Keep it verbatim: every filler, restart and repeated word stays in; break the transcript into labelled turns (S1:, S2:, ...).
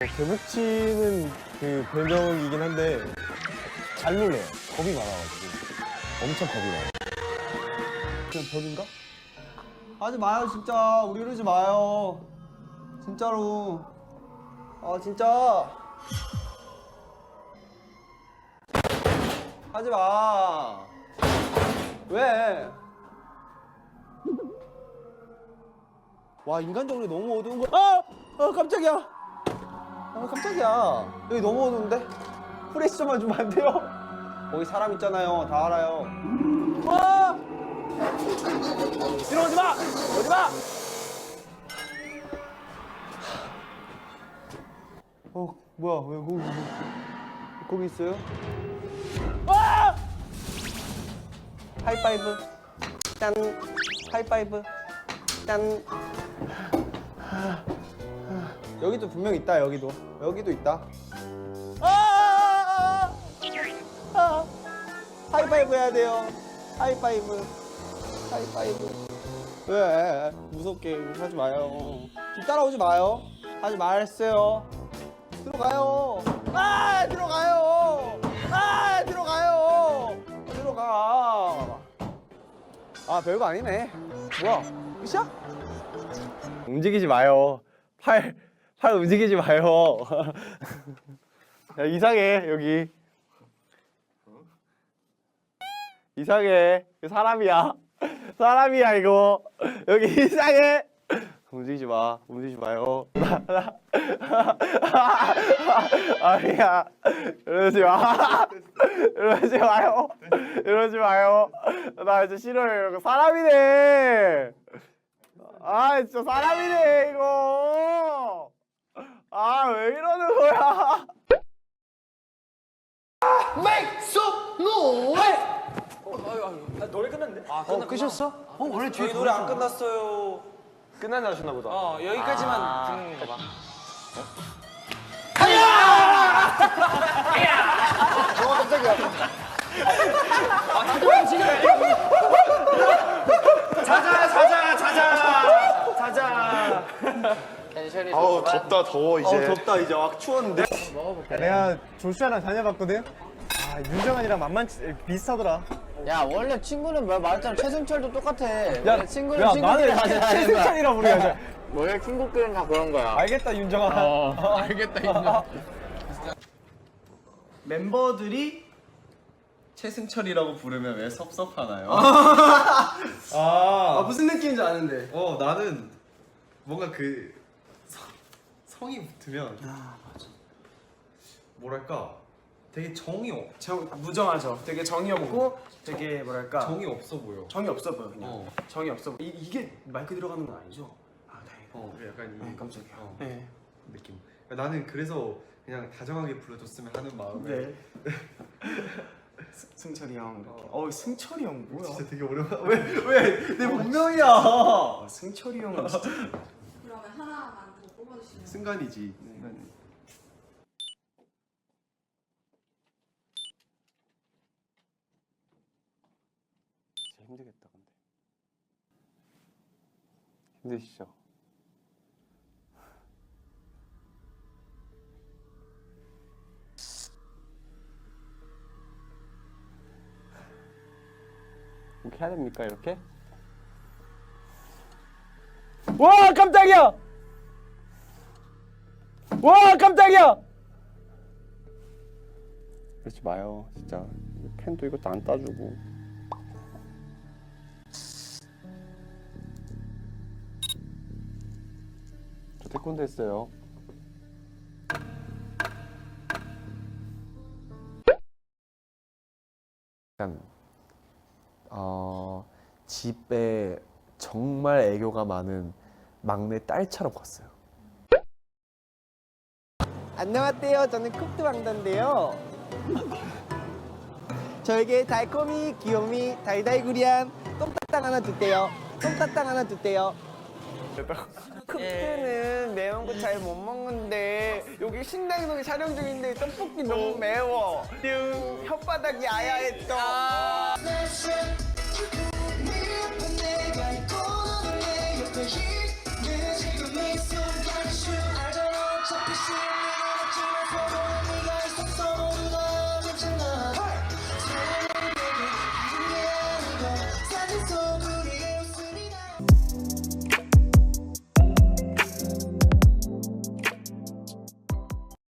S1: 개복치는 그 별명이긴 한데 잘 놀래요. 겁이 많아가지고 엄청 겁이 많아요. 그냥 벽인가?
S2: 하지 마요 진짜. 우리 이러지 마요. 진짜로. 아 진짜. 하지 마. 왜? 와 인간적으로 너무 어두운 거. 아! 아 깜짝이야. 아 깜짝이야. 여기 너무 어두운데? 프레시 좀만 주면 안 돼요? 거기 사람 있잖아요. 다 알아요. 와! 들어오지 마! 오지 마! 어 뭐야 왜 거기 거기 있어요? 와! 하이파이브 짠 하이파이브 짠. 여기도 분명 있다. 여기도 여기도 있다. 아! 아! 하이파이브 해야 돼요. 하이파이브 하이파이브. 왜 무섭게 하지 마요. 뒤 따라오지 마요. 하지 말았어요. 들어가요. 아 들어가요. 아 들어가요. 들어가. 아 별거 아니네. 뭐야 끝이야? 움직이지 마요. 팔, 팔 움직이지 마요. 야, 이상해 여기. 이상해. 사람이야. 사람이야 이거. 여기 이상해. 움직이지 마. 움직이지 마요. 아니야. 이러지 마. 이러지 마요. 이러지 마요. 나 이제 싫어요. 사람이네. 아 진짜 사람이네 이거. 아 왜 이러는 거야.
S3: Make some noise!
S4: 노래 끝났는데? 아,
S3: 어, 끝이었어? 어, 원래 뒤에
S2: 저희 노래 안 끝났어요.
S1: 끝난다 하셨나 보다.
S4: 어, 여기까지만
S2: 아.
S4: 듣는 거 봐.
S2: 자자 자자 자자 자자.
S1: 아우 덥다 더워 이제.
S2: 어 덥다 이제. 아 추웠는데.
S1: 야, 내가 조슈아랑 다녀봤거든. 아 윤정환이랑 만만치 비슷하더라.
S5: 야 원래 친구는 뭐 말했잖아. 최승철도 똑같아.
S1: 야,
S5: 원래 친구는
S1: 야
S5: 친구끼리
S1: 나는
S5: 하자.
S1: 최승찬이라 부르야.
S5: 원래 친구끼리는 다 그런 거야.
S1: 알겠다 윤정환.
S5: 어, 알겠다 인정.
S2: 멤버들이
S6: 최승철이라고 부르면 왜 섭섭하나요?
S2: 아 무슨 느낌인지 아는데.
S6: 어 나는 뭔가 그 성, 성이 붙으면 뭐랄까 되게 정이 없,
S2: 정 무정하죠. 되게 정이 없고 되게 뭐랄까
S6: 정이 없어 보여.
S2: 정이 없어 보여 그냥.
S6: 어.
S2: 정이 없어 보여. 이, 이게 마이크 들어가는 건 아니죠? 아 다행이다.
S6: 어 약간 이
S2: 네, 깜짝이야.
S6: 어,
S2: 네.
S6: 느낌. 나는 그래서 그냥 다정하게 불러줬으면 하는 마음에.
S2: 네. 승철이 형 이렇게. 어, 어 승철이 형 뭐야?
S6: 진짜 되게 오랜만. 왜왜 내 본명이야?
S2: 어, 승철이 형은 진짜.
S7: 그러면 하나만 더 뽑아주시면
S6: 순간이지.
S2: 네.
S6: 순간.
S1: 진짜 힘들겠다 근데. 힘드시죠? 이렇게 해야 됩니까 이렇게? 와 깜짝이야! 와 깜짝이야! 그러지 마요 진짜. 펜도 이것도 안 따주고. 저 태권도 했어요. 약간 어, 집에 정말 애교가 많은 막내 딸처럼 컸어요.
S2: 안녕하세요. 저는 쿱드 왕자인데요. 저에게 달콤이, 귀요미, 달달구리한 똥딱당 하나 주세요. 똥딱당 하나 주세요. 쿱드는 매운 거 잘 못 먹는데 여기 신당동에 촬영 중인데 떡볶이 너무 매워. 띵 혓바닥이 아야했어.